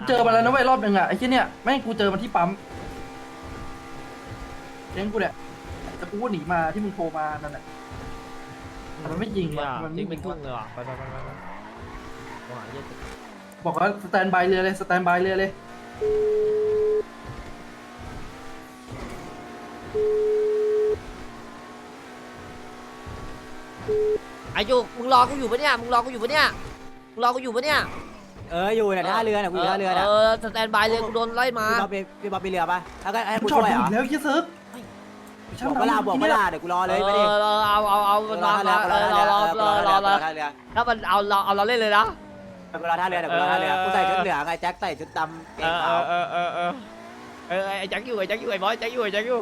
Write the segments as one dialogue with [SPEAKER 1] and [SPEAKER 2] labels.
[SPEAKER 1] เจอมาแล้วนะเว้ยรอบหนึ่งอ่ะไอ้ที่เนี่ยแม่งกูเจอมันที่ปั๊มเลี้ยงกูเนี่ยแต่กูก็หนีมาที่มึงโทรมานั่นแหละแต่มันไม่ยิงว่ะมัน
[SPEAKER 2] ยิ
[SPEAKER 1] ไม่
[SPEAKER 2] ง
[SPEAKER 1] ยิ
[SPEAKER 2] เป็น
[SPEAKER 1] ง
[SPEAKER 2] ทุ่
[SPEAKER 1] ว่ะ
[SPEAKER 2] งเลยว่ะไปโทรหาเหี้ย
[SPEAKER 1] บอกว่าสแตนบายเรือเลยสแตนบายเรือเลย
[SPEAKER 2] ไอ้ยูมึงรอกูอยู่ปะเนี่ยมึงรอกูอยู่ปะเนี่ยมึงรอกูอยู่ปะเนี่ย
[SPEAKER 3] อยู่เนี่ยท่าเรือเนี่ยกูอยู่ท่าเรือเนี่ย
[SPEAKER 2] สแตนบายเลยกูโดนไล่มา
[SPEAKER 3] พี่บ๊อบไปเรือปะแล้วก็ให้
[SPEAKER 1] กู
[SPEAKER 3] กู
[SPEAKER 1] ช็อ
[SPEAKER 3] ช่
[SPEAKER 1] ต
[SPEAKER 3] วยเหร
[SPEAKER 1] อี
[SPEAKER 3] อก
[SPEAKER 1] แล้วยี่เซิร์ฟ
[SPEAKER 3] บอกเวลาบอกเวลาเดี๋ยวกูรอเลยไม่ดิ
[SPEAKER 2] เอามันมา
[SPEAKER 3] รอท่าเรือ
[SPEAKER 2] ถ้ามันเอาเราเล่นเลยนะ
[SPEAKER 3] กูรอท่าเรือเดี๋ยวกูรอท่าเรือกูใส่ชุดเหลืองไงแจ็คใส่ชุดดำเกงขาว
[SPEAKER 2] ไอ้แจ็คอยู่ไอ้บอยแจ็คอยู่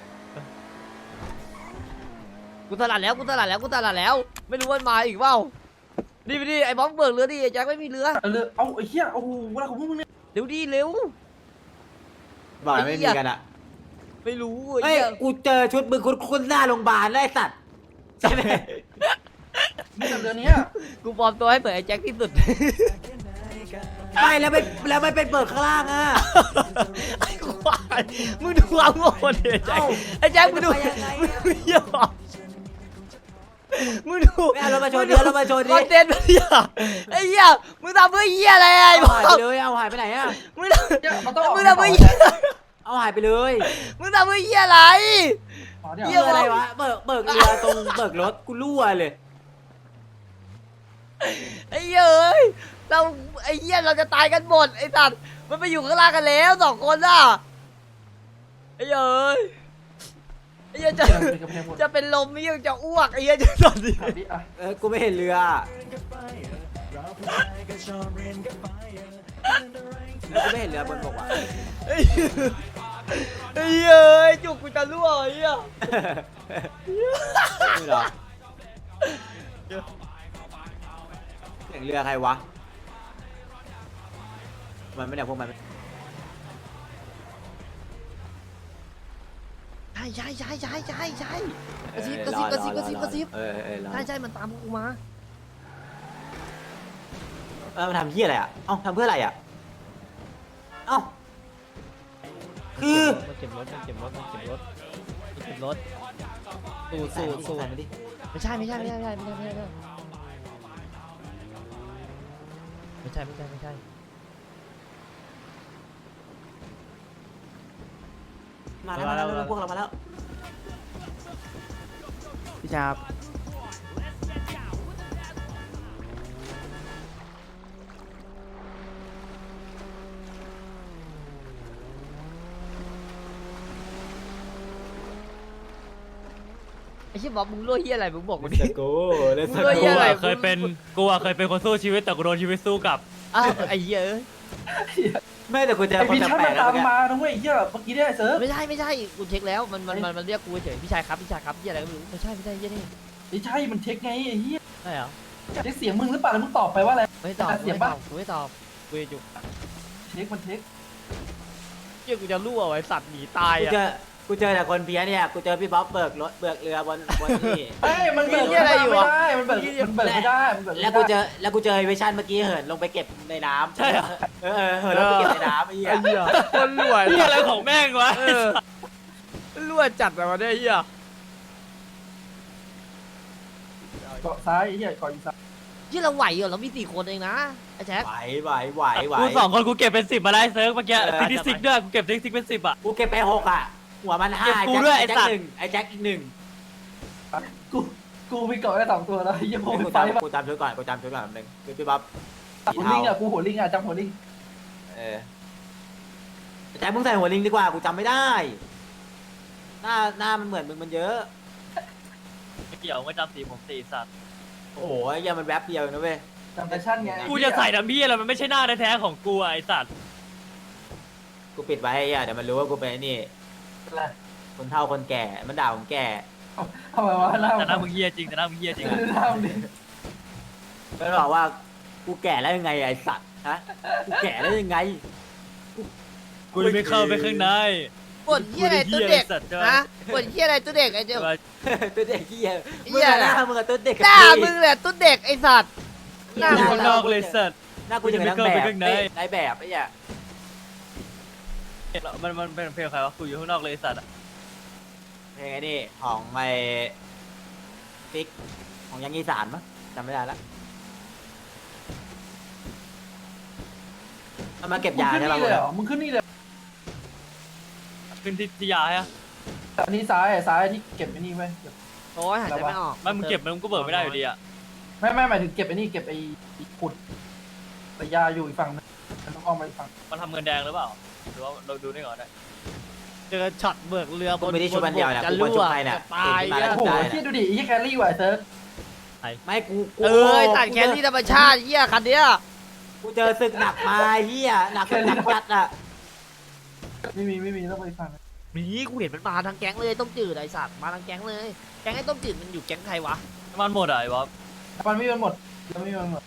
[SPEAKER 2] กูตลาดแล้วไม่รู้ว่ามาอีกเปล่าดิไอ้บอมเบิกเรือดิไอ้แจ็คไม่มีเรือ
[SPEAKER 1] เรือเอาไอ้เหี้ยโอ้โหเวลาของพวกมึงเนี่ย
[SPEAKER 2] เร็วดิเร็ว
[SPEAKER 3] บอกไม่มีกันอ่ะ
[SPEAKER 2] ไม่รู้
[SPEAKER 3] เฮ้ยกูเจอชุดมึงคุณหน้าโรงพยาบาลไอ้สัตว์ใช่ไหม
[SPEAKER 1] นี่แต่เรือเนี้ย
[SPEAKER 2] กูปลอมตัวให้เปิดไอ้แจ็คที่สุด
[SPEAKER 3] ไม่แล้วไม่เป็นเปิดข้างล่างอ่ะ
[SPEAKER 2] ไอ้ควายมึงดูความโง่ดิไอ้แจ็คมึงดูเหี้ยมึงดู
[SPEAKER 3] ไม่เอารถมาชนเรือรถมาชน
[SPEAKER 2] คอนเทนต์เหี้ยไอ้เหี้ยมึงทำเพื่อเหี้ยอะไรไอ้บอ
[SPEAKER 3] หายไป
[SPEAKER 2] ม
[SPEAKER 3] เลยเอาหายไปไหนอ่ะ
[SPEAKER 2] มึง
[SPEAKER 1] เนี่ยมันต้องออก
[SPEAKER 2] มึงทำเพื่อเหี้ย
[SPEAKER 3] เอาหายไปเลย
[SPEAKER 2] มึงทำเพื่อเหี้ยอะไร
[SPEAKER 1] อ๋อ
[SPEAKER 3] เรื่
[SPEAKER 1] เนี่ย
[SPEAKER 3] องอะไรวะเบิกเรือตรงเบิกรถกูรั่วเลย
[SPEAKER 2] ไอ้เหี้ยเอ้ยเราไอ้เหี้ยเราจะตายกันหมดไอ้สัตว์มันไปอยู่ข้างล่างกันแล้ว2 คนอ่ะไอ้เหี้ยเอ้ยไอ้เหี้ยจะเป็นลมไม่ยังจะอ้วกไอ้เหี้ยจะตอนนี้
[SPEAKER 1] อ่ะ
[SPEAKER 3] กูไม่เห็นเรือกูไม่เห็นเรือบนบกว่ะ
[SPEAKER 2] ไอ้เหี้ยไอ้เหี้ยเอ้ยจุกกูจะรั่วไอ้เหี้ย
[SPEAKER 3] นี่เหรอเสียงเรือใครวะมันไม่เนี่ยพวกมัน
[SPEAKER 2] ใช่กระซิบ
[SPEAKER 3] รอ
[SPEAKER 2] ใช่มันตามกูมา
[SPEAKER 3] มันทำเหี้ยอะไรอ่ะเอ้าทำเพื่ออะไรอ่ะเอ้าคือ
[SPEAKER 2] มันเก็บรถสู้ไม่ใช่
[SPEAKER 3] มาแล้วพวกเรามาแล้วพี่ชาบ
[SPEAKER 2] ไอ้เชี่ยบอกมึงรั่วเหี้ยอะไรมึงบอกกูดิ
[SPEAKER 3] โก้เลส
[SPEAKER 2] มึงรั่วเหี้ยอะไร
[SPEAKER 4] เคยเป็นคนสู้ชีวิตแต่กูโดนชีวิตสู้กลับ
[SPEAKER 2] อ้าวไอ้เหี้ยเอ้ย
[SPEAKER 3] ไม่แต่กูเจอ
[SPEAKER 1] ไอ้
[SPEAKER 3] คน
[SPEAKER 1] พี่ชัน
[SPEAKER 3] แปล
[SPEAKER 1] มัน
[SPEAKER 3] กๆแล้
[SPEAKER 1] ตาว ม
[SPEAKER 3] แก
[SPEAKER 1] มานะเว้ยไอ้เหี้ยเมื่อกี้เนี่ยไอ้เซิร์ฟ
[SPEAKER 2] ไม่ใช่กูเช็คแล้วมันเรียกกูเฉยพี่ชายครับเหี้ยอะไรก็ไม่รู้ไม่ใช่เหี้ยนี่
[SPEAKER 1] ไม่ใช่มันเช็คไงไอ้เหี้ย
[SPEAKER 2] ใช่เหรอ
[SPEAKER 1] เช็คเสียงมึงหรือเปล่าแล้วมึงตอบไปว่าอะไร
[SPEAKER 2] ไม่ตอบ
[SPEAKER 1] เสียงปะ
[SPEAKER 2] กูไม่ตอบกูจะจุก
[SPEAKER 1] เช็คมันเช็ค
[SPEAKER 2] เหี้ยกูจะรั่วไว้สัตว์หนีตาย
[SPEAKER 3] กู
[SPEAKER 2] อ่ะ
[SPEAKER 3] เจอแต่คนเพี้ยเนี่ยกูเจอพี่บ๊อบเบิกเรือบนนี่
[SPEAKER 1] เอ้ยมันเบิกไม่ได้มันเบิกไม่ได้มันเบิก
[SPEAKER 3] แล้วกูเจอเวชั่นเมื่อกี้เหินลงไปเก็บในน้ำใช่เหรอเหินลงไปเก็บในน้ำไอ้เหี้ย
[SPEAKER 2] ไอ้เหี้ยคนรั่ว
[SPEAKER 4] นี่อะไรของแม่งวะ
[SPEAKER 2] รั่วจัดแบบว่าได้เหี้ย
[SPEAKER 1] เกาะซ้ายไอ้เหี้ยเกาะอีสาน
[SPEAKER 2] ที่เราไหวเหรอเรามี4 คนเองนะไอ้แจ็ค
[SPEAKER 3] ไหว
[SPEAKER 4] กู2 คนกูเก็บเป็น 10มาได้เซิร์ฟเมื่อกี้ติ๊กซิกด้วยกูเก็บติ๊กซิกเป็น10อ่ะ
[SPEAKER 3] กูเก็บไป6อ่ะหัวมัน5
[SPEAKER 4] เก็บกูด้วยไอ้สัตว์
[SPEAKER 3] ไอ้แจ็คอีก1
[SPEAKER 1] กูมีเกาะแค่2 ตัวแล้วไอ้เหี้ยโม
[SPEAKER 3] กู
[SPEAKER 1] ไฟป่ะ
[SPEAKER 3] จำชุดก่อนนึงคือพี่บ๊อบ
[SPEAKER 1] หัวลิงอ่ะกูหัวลิงอ่ะจำหัวลิง
[SPEAKER 3] แจ็คมึงใส่หัวลิงดีกว่ากูจำไม่ได้หน้ามันเหมือนมึงมันเยอะ
[SPEAKER 4] ไม่เกี่ยวไม่จำสีผมสีสัตว์
[SPEAKER 3] โอ้โหไอ้เหี้ยมันแวบเดียวนะเว้ย
[SPEAKER 1] จำแฟชั่นไง
[SPEAKER 4] กูจะใส่ดำพี่อะไรมันไม่ใช่หน้าแท้ๆของกูไอ้สัตว์
[SPEAKER 3] กูปิดไว้ไอ้เหี้ยเดี๋ยวมันรู้ว่ากูเป็นไอ้นี่คนเฒ่าคนแก่มันด่าผมแก่
[SPEAKER 1] ทำไมวะหน้า
[SPEAKER 4] แต่หน้ามึงเฮียจริงแต่หน้ามึงเฮียจริง
[SPEAKER 1] หน้ามึงดิ
[SPEAKER 3] มันบอกว่ากูแก่แล้วยังไงไอ้สัตว์ฮะกูแก่แล้วยังไง
[SPEAKER 4] กูไม่เข้าไปข้างใน
[SPEAKER 2] ปวดเหี้ยอะไรตัวเด็ก
[SPEAKER 4] สัตว์จ้ะ
[SPEAKER 2] ฮะปวดเหี้ยอะไรตัวเด็กไอ้เจ้า
[SPEAKER 3] ตัวเด็กขี้เหี้ย
[SPEAKER 2] เหี้
[SPEAKER 3] มึง
[SPEAKER 2] ย
[SPEAKER 3] อะหน้ามึงกับตัวเด็ก
[SPEAKER 2] หน้ามึงแหละตัวเด็กไอ้สัตว์หน้า
[SPEAKER 4] กู
[SPEAKER 2] มึง
[SPEAKER 4] ข้างนอกเลยสัตว์
[SPEAKER 3] หน้ากูอย่างนางแบบนายแบบไอ้เหี้ย
[SPEAKER 4] มันเป็นเพลงใครวะกูอยู่ข้างนอกเลยไอ้สัตว์อะ
[SPEAKER 3] เพลงไอ้นี่ของไอ้ฟิกของยังอีสานมั้งจำไม่ได้ละเอามาเก็บยา
[SPEAKER 1] มึงขึ้น
[SPEAKER 3] ใช่ป่ะ
[SPEAKER 1] นี่เลยเหรอมึงขึ้นนี่เลย
[SPEAKER 4] ขึ้นที่ยาฮะ
[SPEAKER 1] อันนี้ซ้ายที่เก็บไอ้นี่ไว้เก็บ
[SPEAKER 2] โอ้ยหายใจไม่ออก
[SPEAKER 4] ไม่มึงเก็บมันก็เบิกไม่ได้อยู่ดีอะ
[SPEAKER 1] ไม่หมายถึงเก็บไอ้นี่เก็บไอ้ขุดแต่ยาอยู่อีกฝั่งนึงมันต้องอ้อมไปอีกฝั่ง
[SPEAKER 4] มันทำเงินแดงหรือเปล่าหรือว่าเราดูนี่ก่อนได้
[SPEAKER 2] เจอช็อตเบิกเรือ
[SPEAKER 3] กูไม่ได้ชุบมันเดียวนะ
[SPEAKER 2] จะ
[SPEAKER 3] กูควร
[SPEAKER 2] รั่
[SPEAKER 3] ชุ
[SPEAKER 2] ว
[SPEAKER 3] บใครเนี่ย
[SPEAKER 2] จะตาย
[SPEAKER 3] เห็นที่มาแล้ว
[SPEAKER 1] โอ้โห
[SPEAKER 3] ได้
[SPEAKER 1] ที่ดูดิไอ้แคลรี่ว่ะไอ้เซิร์ฟ
[SPEAKER 3] ไม่กู
[SPEAKER 2] เออตัดแขนที่ธรรมชาติเหี้ยคันเนี้ย
[SPEAKER 3] กูเจอศึกหนักมาเฮียหนักหนักจัดอ่ะ
[SPEAKER 1] ไม่มีต้องไปอีกฝั่งนึง
[SPEAKER 2] นี่กูเห็นมันมาทางแก๊งเลยต้มจืดไอ้สัตว์มาทางแก๊งเลยแก๊งไอ้ต้มจืดมันอยู่แก๊งใครวะ
[SPEAKER 4] มันหมดอะไอ้บ๊อบ
[SPEAKER 1] มันไม่มีมันหมดยังไม่มีมันหมด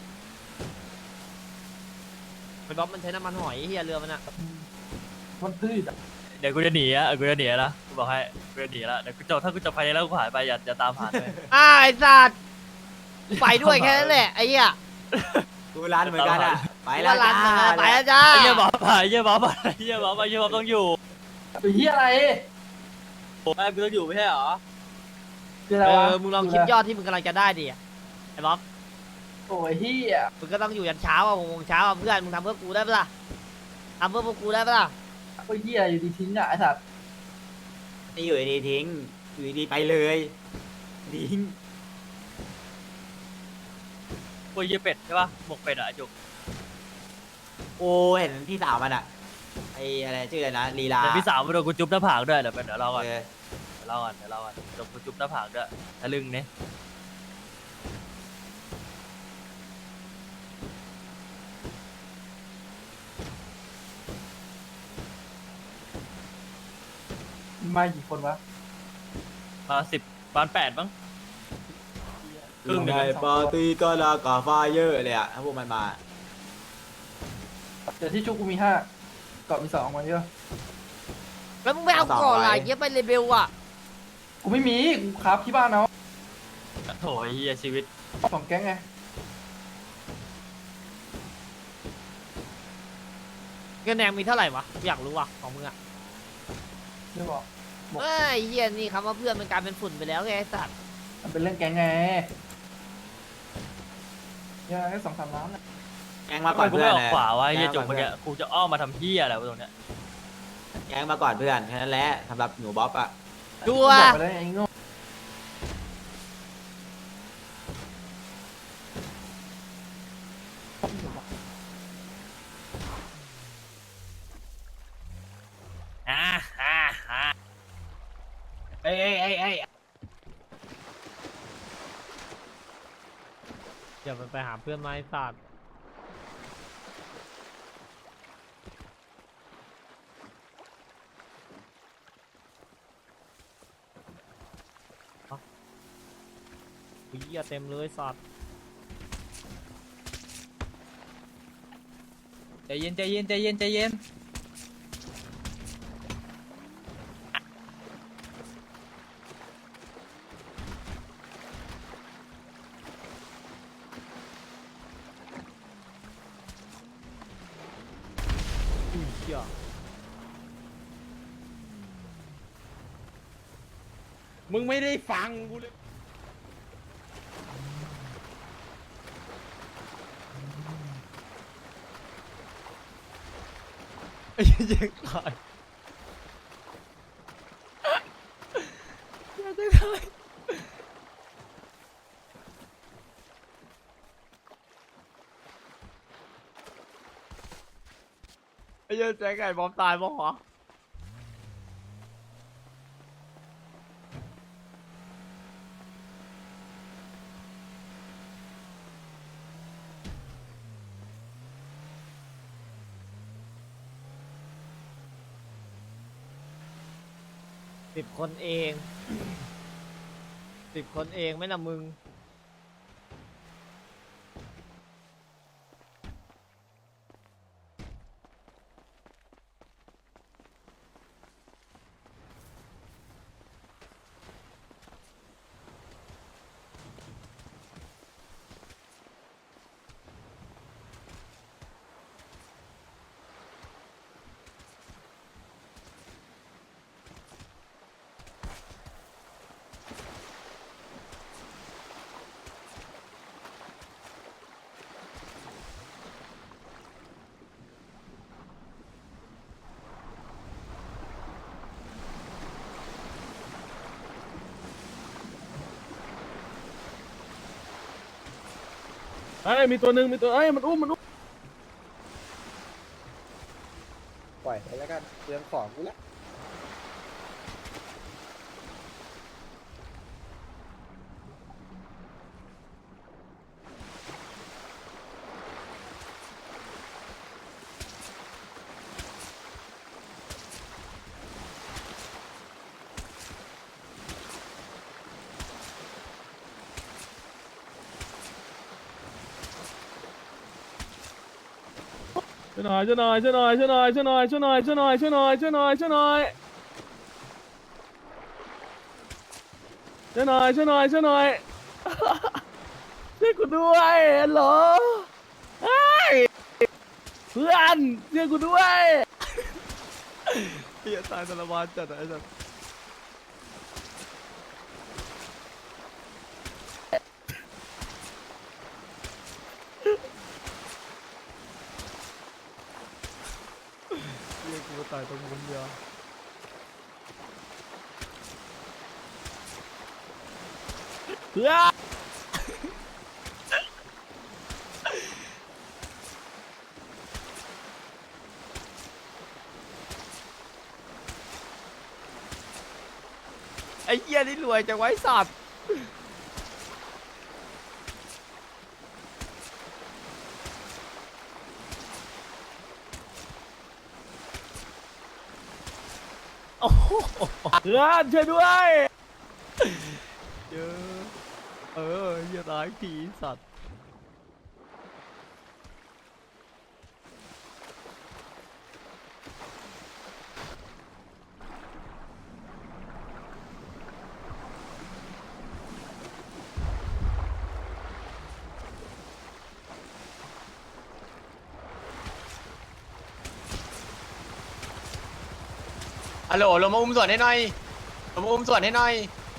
[SPEAKER 2] มันบอกมันใช้น้ำมันหอยเหี้ยเรือมันอะ
[SPEAKER 1] มันพืชอ่ะ
[SPEAKER 4] เดี๋ยวกูจะหนีอะกูจะหนีนะกูบอกให้กูจะหนีละเดี๋ยวกูจะถ้ากูจะไปแล้วกูหายไปอย่าตามหาเลย
[SPEAKER 2] ไอ้สัตว์ไปด้วยแค่นั้นแหละไอ้เหี้ย
[SPEAKER 3] กูร้านเหมือนกันอ่ะไปแล้
[SPEAKER 2] ว่าว ร้านมันไปแล้วจ้า
[SPEAKER 4] ไอ้เหี้ยบ๊อบไปไอ้เหี้ยบ๊อบไปไอ้เหี้ยบ๊อบไปไอ้เหี้ยบ๊อบต้องอยู่
[SPEAKER 1] ไอ้เหี้ยอะไร
[SPEAKER 4] ไอ้กูต้องอยู่ไม่ใช่เหรอ
[SPEAKER 1] คืออะไรวะ
[SPEAKER 2] มึงลองคิดยอดที่มึงกำลังจะได้ดิไอ้บ๊อบ
[SPEAKER 1] โอ้ยเหี้ย
[SPEAKER 2] มึงก็ต้องอยู่ยันเช้าอ่ะ6 โมงเช้าอ่ะเพื่อนมึงทำเพื่อกูได้ปะล่ะทำเพื่อพวกกูได้ปะล่ะ
[SPEAKER 1] โอ้ยเหี้ยอยู่ดีทิ้งอ่ะไอ้สัตว์
[SPEAKER 3] นี่อยู่ดีทิ้งอยู่ดีไปเลยทิ้ง
[SPEAKER 4] กูเหี้ยเป็ดใช่ป่ะหมกเป็ดอะไอ้จุก
[SPEAKER 3] โอ้เห็นพี่สาวมันอ่ะไออะไรชื่ออะไรนะลีลา
[SPEAKER 4] เดี๋ยวพี่สาวมาโดนกูจุ๊บหน้าผากด้วยเดี๋ยวรอก่อน
[SPEAKER 3] เออ
[SPEAKER 4] เดี๋ยวรอก่อนโดนกูจุ๊บหน้าผากด้วยทะลึ่งเนี่ย
[SPEAKER 1] มากี่คนวะ
[SPEAKER 4] มา10ประมาณ8มั้ง ครึ่งหนึ่ง
[SPEAKER 3] ในปาร์ตี้ก็ลากาไฟเยอะเลยอ่ะถ้าพวกมันมา
[SPEAKER 1] เดี๋ยวที่ชุกกูมี5เกาะมี2มาเยอะ
[SPEAKER 2] แล้วมึงไม่เอาก่อนล่ะเงี้ยไปเลเบลอ่ะ
[SPEAKER 1] กูไม่มีกูครับที่บ้านเอา
[SPEAKER 4] โถไอ้เหี้ยชีวิต
[SPEAKER 1] 2 แก๊งไง
[SPEAKER 2] เงินแดงมีเท่าไหร่วะอยากรู้ว่ะของมึงอ่ะ
[SPEAKER 1] ไม่บอก
[SPEAKER 2] ไอ้เหี้ยนี่คำว่าเพื่อนมันกลายเป็นฝุ่นไปแล้วไงไอ้สัตว์
[SPEAKER 1] มันเป็นเรื่องแก๊งไงยังแค่2-3 ล้านนะ
[SPEAKER 3] แกงมาก่อน
[SPEAKER 4] กู
[SPEAKER 3] เพื่อ
[SPEAKER 4] ไม่
[SPEAKER 3] น
[SPEAKER 4] ออกขวาวะไอ้เหี้ยจุก
[SPEAKER 3] แก
[SPEAKER 4] เมื่อกี้กูจะอ้อมมาทำเหี้ยอะไรวะตรงเนี้ย
[SPEAKER 3] แกงมาก่อนเพื่อนแค่นั้นแหละสำหรับหนูบ๊อบอ่ะ
[SPEAKER 2] ดู
[SPEAKER 1] บ
[SPEAKER 2] อ่ะ
[SPEAKER 1] อกไปเลยไอ้โง่
[SPEAKER 4] อ่าอ่าอ่า
[SPEAKER 2] เอ้ยอย่าไปหาเพื่อนไม้สัตว์เหี้ยเต็มเลยสัตว์
[SPEAKER 4] ใจเย็นใจเย็นใจเย็นใจเย็น
[SPEAKER 2] อุ้ยเหี้ยมึงไม่ได้ฟังกูเลยไอ้เหี้ยตายอย่าจะตายไอ้เหี้ยแจ็คไก่บอมตายบ้างเหรอ 10 คนเอง 10 คนเองไม่นะมึง
[SPEAKER 5] เอ้ยมีตัวหนึ่งมีตัวเอ้ยมันอุ้ม
[SPEAKER 6] ปล่อยไปแล้วกันเรื่องของกูละ
[SPEAKER 5] ช่วยหน่อยช่วยหน่อยช่วยหน่อยช่วยหน่อยช่วยหน่อยช่วยหน่อยช่วยหน่อยช่วยหน่อยช่วยหน่อยช่วยหน่อยช่วยหน่อยช่วยหน่อยช่วยหน่อยช่วยกูด้วยฮัลโหลเฮ้ยเพื่อนช่วยกูด้วยเฮียตายสารวัตรจัดไอ้สัสเฮียกูตายตรงมุมเดียวเพื่อน
[SPEAKER 2] ไอ้เหี้ยนี่รวยจังไว้สัตว์โอ้โห
[SPEAKER 5] เพื่อนช่วยด้วยเยอะเฮียตายทีสัตว์
[SPEAKER 3] ฮัลโหลลงมาอุ้มส่วนให้หน่อยลงมาอุ้มส่วนให้หน่อย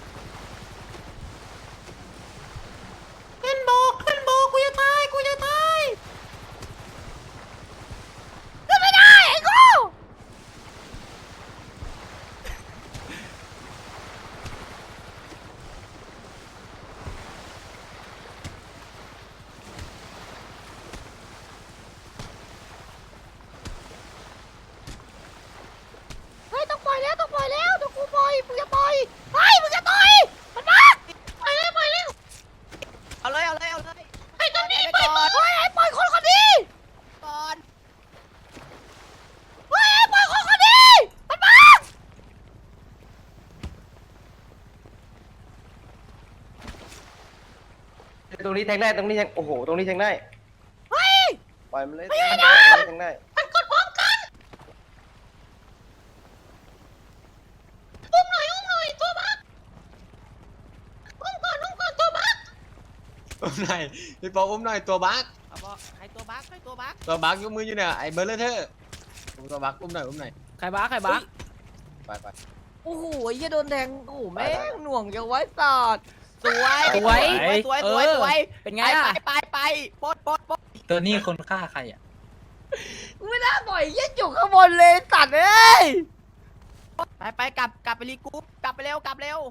[SPEAKER 3] ขึ้นโบกูจะตายกูจะตาย
[SPEAKER 2] ก็ไม่ได้ไอ้กูเฮ้ยต้องปล่อยแล้วต้องปล่อยแล้วเดี๋ยวกูปล่อยมึงอย่าปล่อยเฮ้ยมึงอย่าต่อยมันมาปล่อยเลยปล่อยเลย
[SPEAKER 3] เอาเลยเอาเลยเอาเลย
[SPEAKER 2] ไอ้ตัวนี้ปล่อยเฮ้ยไอ้ปล่อยคนคนนี้
[SPEAKER 3] ก่อน
[SPEAKER 2] เฮ้ยไอ้ปล่อยคนคนนี้มันมา
[SPEAKER 6] ตรงนี้แทงได้ตรงนี้แทงโอ้โหตรงนี้แทงได้
[SPEAKER 2] เฮ้ย
[SPEAKER 6] ปล่อยมันเลย
[SPEAKER 2] ไม่
[SPEAKER 6] แท
[SPEAKER 2] ได้
[SPEAKER 6] ง
[SPEAKER 2] นะ
[SPEAKER 6] ได้แทงได้
[SPEAKER 2] มันกดพร้อมกันอุ้มหน่อยตัวบักอุ้มก่อนตัวบัก
[SPEAKER 3] อุ้มหน่อยพี่ปออุ้มหน่อยตัวบั๊ก
[SPEAKER 2] ใครตัวบักใครตัวบัก
[SPEAKER 3] ตัวบั๊กยกมืออยู่เนี่ยไอ้เบอร์เลอร์เธอร์อุ้มตัวบั๊กอุ้มหน่อยอุ้มหน่อย
[SPEAKER 2] ใครบักใครบัก
[SPEAKER 3] ไปไป
[SPEAKER 2] โอ้โหไอ้เหี้ยโดนแทงโอ้โหแม่งหน่วงจังไว้สัตว์สวย
[SPEAKER 7] สวย
[SPEAKER 2] เป็นไงล่ะไปปด
[SPEAKER 7] ตัวนี้คนฆ่าใครอ่ะ
[SPEAKER 2] ไม่น่าปล่อยเหี้ยจุกข้างบนเลยสัตว์เอ้ยไปกลับไปรีกรุ๊ปกลับไปเร็ว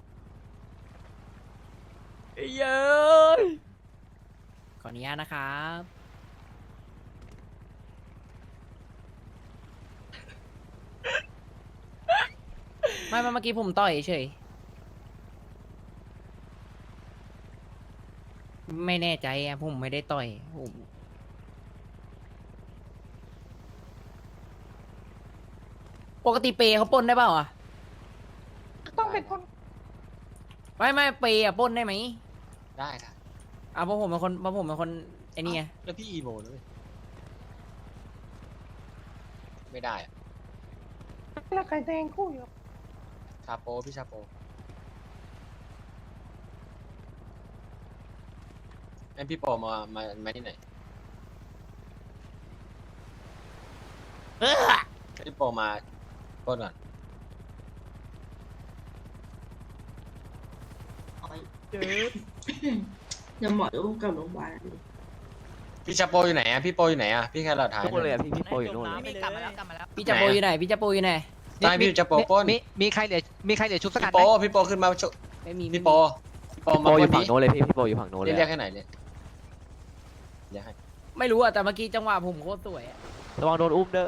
[SPEAKER 2] ไอ้เย้ยขออนุญาตนะครับไม่เมื่อกี้ผมต่อยเฉยไม่แน่ใจอะผมไม่ได้ต่อยผมปกติเปย์เขาปล้นได้เปล่าอ่ะ
[SPEAKER 6] ต้องเป็นคน
[SPEAKER 2] ไม่เปย์อะปล้นได้ไหม
[SPEAKER 3] ได้ค่ะ
[SPEAKER 2] เพราะผมเป็นคนไอ้นี่ไง
[SPEAKER 3] แล้วพี่อีโมเลยไม่ได้อะ
[SPEAKER 6] แล้วใครแทงคู่อยู่
[SPEAKER 3] ชาโปพี่ชาโปไอ้พี่โปมาที่ไหนพี่โปมาปล้นก่อน
[SPEAKER 8] ยังหมอต้องกลับโรงพยาบาล
[SPEAKER 3] พี่ชาโปอยู่ไหนอะพี่โปอยู่ไหนอะพี่แค่เราถ่าย
[SPEAKER 7] ทุกคนเลยอ่ะพี่โปอยู่นู่น
[SPEAKER 2] กลับมาแล้วพี่จะโปอยู่ไหนพี่จะโปอยู่ไหน
[SPEAKER 3] ใช่พี่ชาโปปล้น
[SPEAKER 7] มีใครเหลือชุบสัก
[SPEAKER 3] พี่
[SPEAKER 7] อัน
[SPEAKER 3] โป
[SPEAKER 7] ไหม
[SPEAKER 3] พี่โปขึ้นมาชุ
[SPEAKER 2] ไม่มี
[SPEAKER 3] พี่โปมา
[SPEAKER 7] โปอยู่
[SPEAKER 3] ปล้
[SPEAKER 7] ฝั่งโน้นเลยพี่โปอยู่ฝั่งโน้นเลย
[SPEAKER 3] เรียกให้ไหนเนี่ย
[SPEAKER 6] อย่าให้
[SPEAKER 2] ไม่รู้อะแต่เมื่อกี้จังหวะผมโคตรสวยอะ
[SPEAKER 7] ระวังโดนอุ้มเด้อ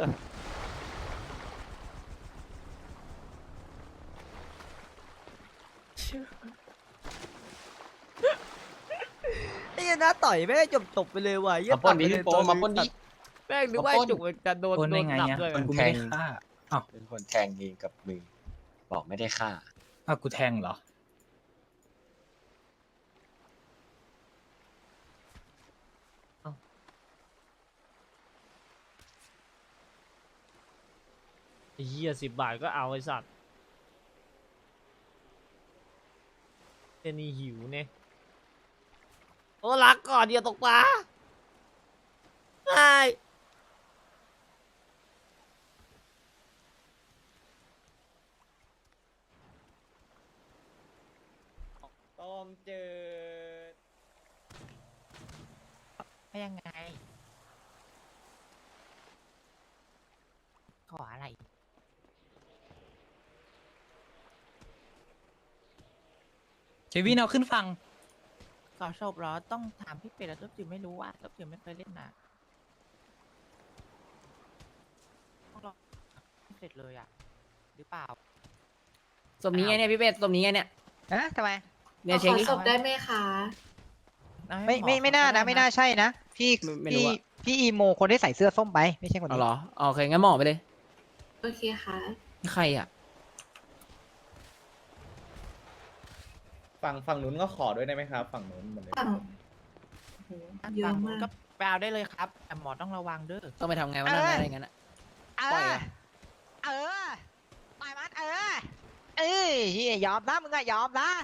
[SPEAKER 2] ไอ้เหี้ยน้าต่อยแม่งจบไปเลยว่ะเหี้ย
[SPEAKER 6] มาปล้นดิ
[SPEAKER 2] ตัดไปเลย
[SPEAKER 6] พี่โปมาปล้นดิ
[SPEAKER 2] แม่งนึกว่า
[SPEAKER 6] มาปล้น
[SPEAKER 2] จุกมันจะโดนหนักด้วย
[SPEAKER 6] คนแทงเป็นคนแทงเองกับมือ บอกไม่ได้ฆ่า
[SPEAKER 7] อ้าวกูแทงเหรอ
[SPEAKER 2] ไอ้เหี้ย10 บาทก็เอาไอ้สัตว์เจนี่หิวเนี่ยโอ้รักก่อนอย่าตกปลาไอ้
[SPEAKER 3] ต้มจืด
[SPEAKER 7] ยังไง ขออะไร เควินเอาขึ้นฟัง
[SPEAKER 9] ขอศพเหรอ ต้องถามพี่เป็ดแล้วตุ๊บจิ๋วไม่รู้ว่าตุ๊บจิ๋วไม่เคยเล่นนะต้องรอไม่เสร็จเลยอ่ะ หรือเปล่า
[SPEAKER 2] สมนี้ไงเนี่ยพี่เป็ดสมนี้ไงเนี่ย
[SPEAKER 7] ฮะทำไม
[SPEAKER 2] เนี่ยเช็ค
[SPEAKER 8] ขอ
[SPEAKER 2] ดิ
[SPEAKER 8] ศพได้ไหมคะ
[SPEAKER 7] ไม่น่านะ ไม่น่าใช่นะ พี่
[SPEAKER 2] ไม่รู้อะ
[SPEAKER 7] พี่อีโมคนที่ใส่เสื้อส้มไป ไม่ใช่คน
[SPEAKER 2] เอา
[SPEAKER 7] นี้
[SPEAKER 2] เหรอโอเคงั้นหมอไปเลย
[SPEAKER 8] โอเคค่ะ
[SPEAKER 2] นี่ใครอ่ะ
[SPEAKER 3] ฝั่งนู้นก็ขอด้วยได้ไหมครับ ฝั่งนู้นเหมือนเดิม
[SPEAKER 8] ฝั่งโหเยอะมาก
[SPEAKER 9] ก็ไปเอาได้เลยครับ แต่หมอต้องระวังเด้อ
[SPEAKER 2] ต้องไปทำไงวะนั่นอะไรอย่างนั้นอะ ปล่อยอะ
[SPEAKER 7] เออปล่อยมันเฮียยอมนะมึงอะยอมนะ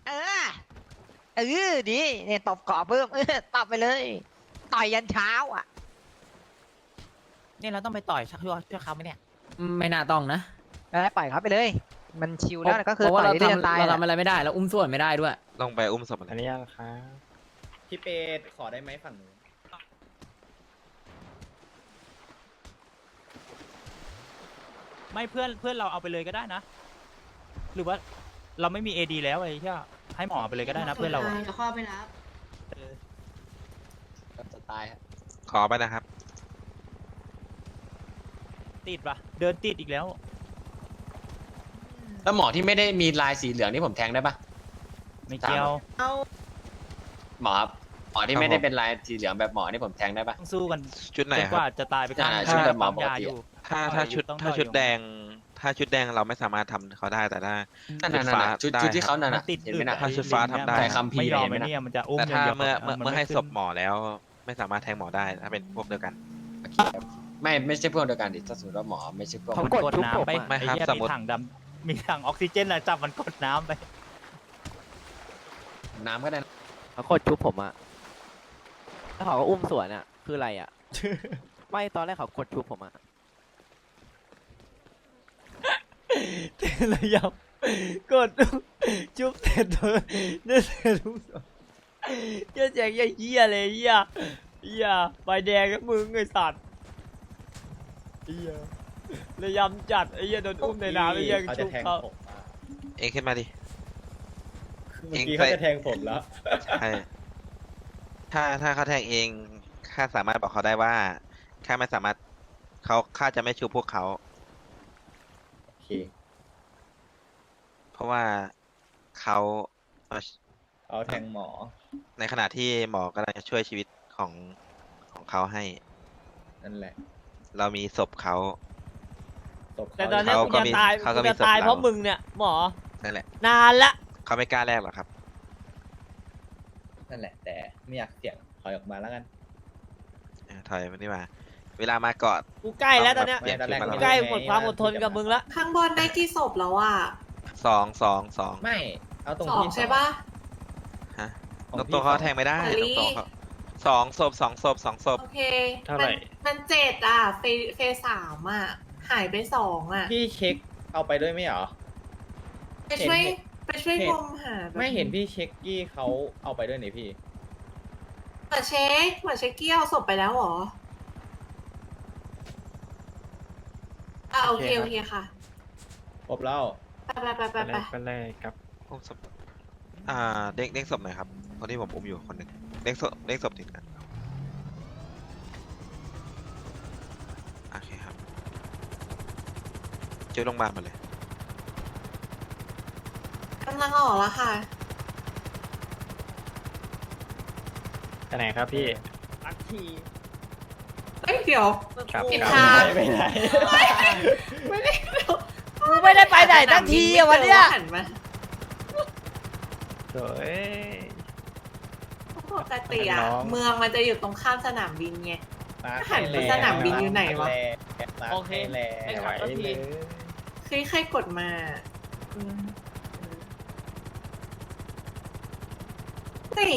[SPEAKER 7] ดีเนี่ยตบเกาะเพิ่มตบไปเลย ต่อยยันเช้าอ่ะ
[SPEAKER 9] เนี่ยเราต้องไปต่อยชักช่วยเขาไหมเนี่ย
[SPEAKER 2] ไม่น่าต้องนะ
[SPEAKER 7] ปล่อยเขาไปเลย มันชิวแล้วก็คือ
[SPEAKER 2] เพราะว่า
[SPEAKER 7] ต่
[SPEAKER 2] เรา
[SPEAKER 7] อยได้จนตาย
[SPEAKER 2] ทำอะไรไม่ได้เราอุ้มส่วนไม่ได้ด้วย
[SPEAKER 10] ลงไปอุ้มศพมัน
[SPEAKER 6] อันนี้ครับ
[SPEAKER 3] พี่เป็ดขอได้ไหมฝั่งนู้น
[SPEAKER 4] ไม่เพื่อนเราเอาไปเลยก็ได้นะ หรือว่าเราไม่มีเอดีแล้วไอ้ที่ให้หมอเอาไปเลยก็ได้นะเพื่อนเราอะ
[SPEAKER 8] เดี๋ยวเข้าไปรับ
[SPEAKER 6] จะตายฮะ
[SPEAKER 10] ขอไปนะครับ
[SPEAKER 4] ติดปะเดินติดอีกแล้ว
[SPEAKER 6] แล้วหมอที่ไม่ได้มีลายสีเหลืองนี่ผมแทงได้ปะ
[SPEAKER 4] ไม่เกี่ยว
[SPEAKER 8] เอา
[SPEAKER 6] หมอหมอที่ไม่ได้เป็นลายสีเหลืองแบบหมอนี่ผมแทงได้ปะ
[SPEAKER 4] ต้องสู้กัน
[SPEAKER 10] ชุดไหน
[SPEAKER 4] จน
[SPEAKER 10] ค
[SPEAKER 4] ก
[SPEAKER 10] รับ
[SPEAKER 4] ว่าจะตายไปกลาง
[SPEAKER 6] ชุดแบบหมอ
[SPEAKER 4] ปั๊มยา
[SPEAKER 6] ปกติ
[SPEAKER 4] อยู่
[SPEAKER 10] ถ้าชุด
[SPEAKER 4] ต้อง
[SPEAKER 10] ถ้า
[SPEAKER 4] ต่อย
[SPEAKER 10] ชุด
[SPEAKER 4] อยู่
[SPEAKER 10] แดง ถ้าชุดแดงเราไม่สามารถทำเขาได้แต่ถ้า
[SPEAKER 6] นั่น
[SPEAKER 10] ชุด
[SPEAKER 6] น่ะ
[SPEAKER 10] ฟ้า
[SPEAKER 6] ชุด
[SPEAKER 10] ได้
[SPEAKER 6] ชุดที่
[SPEAKER 10] ค
[SPEAKER 6] เขา
[SPEAKER 10] รับ
[SPEAKER 6] นั่น
[SPEAKER 4] มั
[SPEAKER 6] น่ะ
[SPEAKER 4] นติด
[SPEAKER 6] เห็นไหมน่ะ
[SPEAKER 10] ถ้าชุดฟ้าทำได้
[SPEAKER 6] ใส่คำพีร์
[SPEAKER 4] ไม่ยอม
[SPEAKER 6] เห็นไหม
[SPEAKER 4] ไอ้
[SPEAKER 6] น่ะ
[SPEAKER 4] เนี่ยมันจะอุ้ม
[SPEAKER 10] แต่ถ้า
[SPEAKER 4] ย่งดียว
[SPEAKER 10] เมื่อให้
[SPEAKER 4] นขึ้น
[SPEAKER 10] ศพหมอแล้ว ไม่สามารถแทงหมอได้ถ้าเป็นพวกเดียวกัน
[SPEAKER 6] ไม่ใช่พวกเดียวกันดิถ้าสมมติว่าหมอไม่ใช่พวก
[SPEAKER 4] มันกดน้ำไป
[SPEAKER 10] ไม่
[SPEAKER 4] ไอ้
[SPEAKER 10] ครับ
[SPEAKER 4] เหี้ย
[SPEAKER 10] สม
[SPEAKER 4] มี
[SPEAKER 10] มุติ
[SPEAKER 4] ถังดำมีถังออกซิเจนอะจับมันกดน้ำไป
[SPEAKER 6] น้ำก็ได้นะ
[SPEAKER 7] เขากดชุบผมอ่ะแล้วเขาก็อุ้มสวนอ่ะ คืออะไรอ่ะ ไม่ตอนแรกเขากดชุบผมอ่ะ
[SPEAKER 2] ระยำกดจุ๊บเสร็จเลยเนี่ยเสร็จทุกสองเหี้ยแจกเหี้ยเลยเหี้ยใบแดงกับมึงไอ้สัตว์เหี้ยระยำจัดไอ้เหี้ยโดนอุ้มในน้ำไอ้เหี้ย
[SPEAKER 3] เขาจะ
[SPEAKER 2] ชุบ
[SPEAKER 3] แทง
[SPEAKER 2] เขา
[SPEAKER 3] ผมอะ
[SPEAKER 10] เองขึ้นมาดิ
[SPEAKER 3] เมื่อกี้เขาจะแทงผมแล้ว
[SPEAKER 10] ใช่ถ้าเขาแทงเองข้าสามารถบอกเขาได้ว่าข้าไม่สามารถข้าจะไม่ชูพวกเขา
[SPEAKER 3] โอเค
[SPEAKER 10] เพราะว่าเขา
[SPEAKER 3] เอาแทงหมอ
[SPEAKER 10] ในขณะที่หมอกำลังจะช่วยชีวิตของเขาให้
[SPEAKER 3] นั่นแหละ
[SPEAKER 10] เรามีศพเขา
[SPEAKER 3] ตบ
[SPEAKER 2] แต่
[SPEAKER 3] เขา
[SPEAKER 2] ตอนเนี้ย
[SPEAKER 10] เขา
[SPEAKER 2] กู
[SPEAKER 10] ก็
[SPEAKER 2] จะ
[SPEAKER 10] มี
[SPEAKER 2] ตาย
[SPEAKER 10] เขาก็
[SPEAKER 2] กู
[SPEAKER 10] มี
[SPEAKER 2] จะตาย
[SPEAKER 10] ศพเรา
[SPEAKER 2] เพราะมึงเนี่ยหมอ
[SPEAKER 10] นั่นแหละ
[SPEAKER 2] นานละ
[SPEAKER 10] เขาไม่กล้าแลกหรอกครับ
[SPEAKER 3] นั่นแหละ แต่ไม่อยากเสี่ยงถอยออกมาแล้วกัน
[SPEAKER 10] ถอยมาดีกว่าเวลามากอด
[SPEAKER 2] กูใกล้แล้วตอนเนี้ย
[SPEAKER 10] เปลี่ยนชุดมา
[SPEAKER 2] กู
[SPEAKER 10] แล้ว
[SPEAKER 2] ใกล้หมดความอดทนกับมึงละ
[SPEAKER 8] ข้างบนได้กี่ศพแล้วอ่ะ
[SPEAKER 10] สอง
[SPEAKER 3] ไม่ เอาตรง
[SPEAKER 8] สอง
[SPEAKER 3] ที่
[SPEAKER 8] ใช่ปะ
[SPEAKER 10] ฮะ
[SPEAKER 3] ของ
[SPEAKER 10] ตรง
[SPEAKER 3] พี่
[SPEAKER 10] ตัวเขา
[SPEAKER 3] สอง
[SPEAKER 10] แทงไม่ได้
[SPEAKER 8] มะลิ
[SPEAKER 10] ตรงตัวเขาสองศพสองศพ
[SPEAKER 8] โอเค
[SPEAKER 4] เท่าไหร่
[SPEAKER 8] มัน7อ่ะเฟสสามอ่ะ หายไป2อ่ะ
[SPEAKER 3] พี่เช็คเอาไปด้วยไหมเหรอ
[SPEAKER 8] ไปช่วย
[SPEAKER 3] เห็น
[SPEAKER 8] ไปช่วย
[SPEAKER 3] เห็น
[SPEAKER 8] งมหาแบบ
[SPEAKER 3] ไม่เห็นพี่เช็คกี้เขาเอาไปด้วยนี่พี่
[SPEAKER 8] เหมือนเช็คเกี้ยวศพไปแล้วเหรอ โอเคค่ะ
[SPEAKER 3] ครบแล้ว
[SPEAKER 8] ไป
[SPEAKER 10] อุ้มศพเด้งศพหน่อยครับคนที่ผมอุ้มอยู่คนหนึ่งเด้งศพติดกันเจอโรงพยาบาลมาเลย
[SPEAKER 8] กำลังออกแล้วค่ะ
[SPEAKER 4] ไหนครับพี่
[SPEAKER 8] เอ้ยเดี๋ยว
[SPEAKER 4] ครับ
[SPEAKER 8] ผิด
[SPEAKER 4] ครับ
[SPEAKER 8] ทาง
[SPEAKER 3] ไม่ได้
[SPEAKER 8] ไม่ได้
[SPEAKER 2] กูไม่ได้ไปไหนตั้งทีอะวันเนี้ย
[SPEAKER 8] หันมา
[SPEAKER 4] เฮ้ย
[SPEAKER 8] ปกติอะ
[SPEAKER 4] น้อง
[SPEAKER 8] เมืองมันจะอยู่ตรงข้ามสนามบินไง หันไปสนามบินอยู่ไหนวะ
[SPEAKER 3] โอเคแล้
[SPEAKER 4] ไม่ไหวเลย
[SPEAKER 8] ใครกดมานี่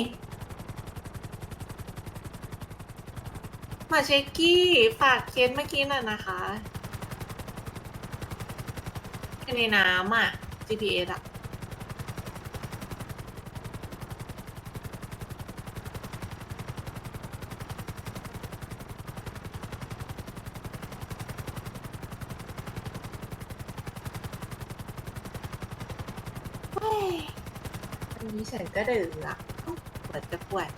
[SPEAKER 8] มาเช็คกี้ฝากเคสเมื่อกี้น่ะนะคะในน้ำอ่ะ GPS อ่ะ เฮ้ยอันนี้ฉันก็ดื่มละปวดจะปวด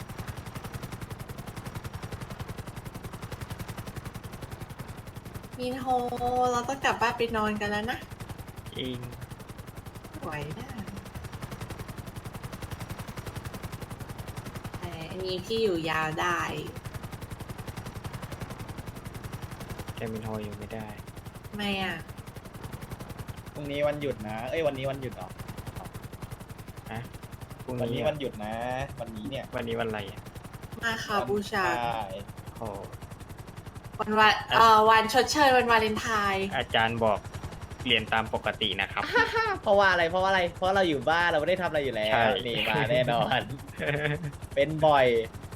[SPEAKER 8] มินโฮเราต้องกลับบ้านไปนอนกันแล้วนะ
[SPEAKER 4] จริง
[SPEAKER 8] ไหวได้แต่อันนี้พี่อยู่ยาวได้
[SPEAKER 4] แกมินโฮอยู่ไม่ได้
[SPEAKER 8] ทำไมอ่ะ
[SPEAKER 3] พรุ่งนี้วันหยุดนะ เอ้ยวันนี้วันหยุดเหรอ
[SPEAKER 4] พรุ่ง
[SPEAKER 3] วันนี้
[SPEAKER 4] นี้
[SPEAKER 3] วันหยุดนะ วันนี้เนี่ย
[SPEAKER 4] วันนี้วันอะไรอ่ะ
[SPEAKER 8] มาคาบูชา
[SPEAKER 3] ใช่
[SPEAKER 4] โอ้
[SPEAKER 8] วันชดเชยวันวาเลนไทน์
[SPEAKER 4] อาจารย์บอกเรียนตามปกตินะครับ
[SPEAKER 3] เพราะว่าอะไร เพราะว่าอะไร เพราะเราอยู่บ้านเราไม่ได้ทำอะไรอยู่แล้ว
[SPEAKER 4] ใช่
[SPEAKER 3] นี่มาแน่นอน เป็นบ่อย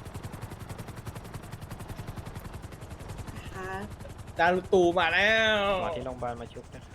[SPEAKER 8] นะคะ
[SPEAKER 3] จารุตูมาแล้ว
[SPEAKER 4] หมอที่โรงพยาบาลมาชุบนะคะ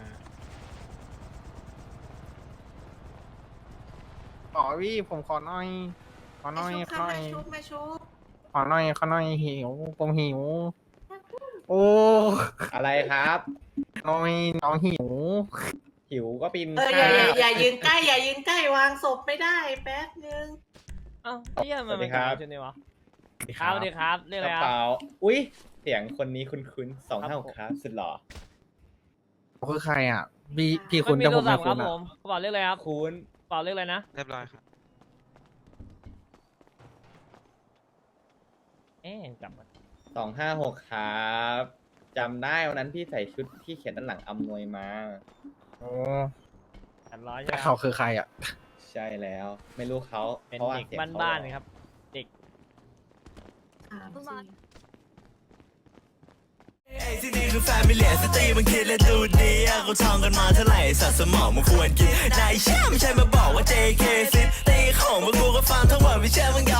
[SPEAKER 5] อ๋อพี่ผมขอหน่อย ขอหน่อย
[SPEAKER 8] มาชุบ
[SPEAKER 5] ขอหน่อย
[SPEAKER 8] มาชุบ
[SPEAKER 5] ขอหน่อยขอหน่อยหิวผมหิว โอ้
[SPEAKER 3] อะไรครับ
[SPEAKER 5] น้อยน้องหิว
[SPEAKER 3] หิวก็ปิน
[SPEAKER 8] อย่ายืนใกล้อย่ายืนใกล้วางศพไม่ได้แป๊บนึง
[SPEAKER 2] อ้าวไอ้เหี้ยมันเป็นการชุดนี้วะ
[SPEAKER 3] ครับ
[SPEAKER 2] สวัสดีครับเรียกอะไร
[SPEAKER 3] ก
[SPEAKER 2] ค
[SPEAKER 3] ระ
[SPEAKER 2] รับ
[SPEAKER 3] เป๋าอุ้ยเสียงคนนี้คุ้นๆ256ครับ สุดหล่อ
[SPEAKER 5] คือใครอ่ะ พี่คุณ
[SPEAKER 2] ไม่มี
[SPEAKER 5] แต่
[SPEAKER 2] โท
[SPEAKER 5] ผ
[SPEAKER 2] ร
[SPEAKER 5] ม
[SPEAKER 2] ศั
[SPEAKER 5] ไม่
[SPEAKER 2] พท์ค
[SPEAKER 5] คุ
[SPEAKER 2] รับ
[SPEAKER 5] ณ
[SPEAKER 2] ผ
[SPEAKER 5] อ่ะ
[SPEAKER 2] มกระเป๋าเรียกอะไรครับ
[SPEAKER 3] คุณ
[SPEAKER 2] กระเป๋าเรียกอะไรนะ
[SPEAKER 10] เรียบร้อยครับ
[SPEAKER 2] เอ๊ะจำมัน
[SPEAKER 3] 256ครับจำได้วันนั้นพี่ใส่ชุดที่เขียนด้านหลังอำนวยมา
[SPEAKER 5] โอ้
[SPEAKER 2] 300ใช่
[SPEAKER 5] แต่
[SPEAKER 2] ไหม
[SPEAKER 5] เขาคือใครอ่ะ
[SPEAKER 3] ใช่แล้ว ไม่รู้เขา
[SPEAKER 2] เป็น
[SPEAKER 3] พราะว่า
[SPEAKER 2] เด็ก
[SPEAKER 3] สียงเข
[SPEAKER 2] บ้านๆครับ
[SPEAKER 11] ที่นี่คือแฟมิเลียสตรีมันคิดและดูดีอะเขาท่องกันมาเท่าไหร่สัตว์สมองมันควรกินนายเชื่อไม่ใช่มาบอกว่า JK ซิตี้ของพวกกูก็ฟังทั้งหมดไม่เชื่อมึงยอม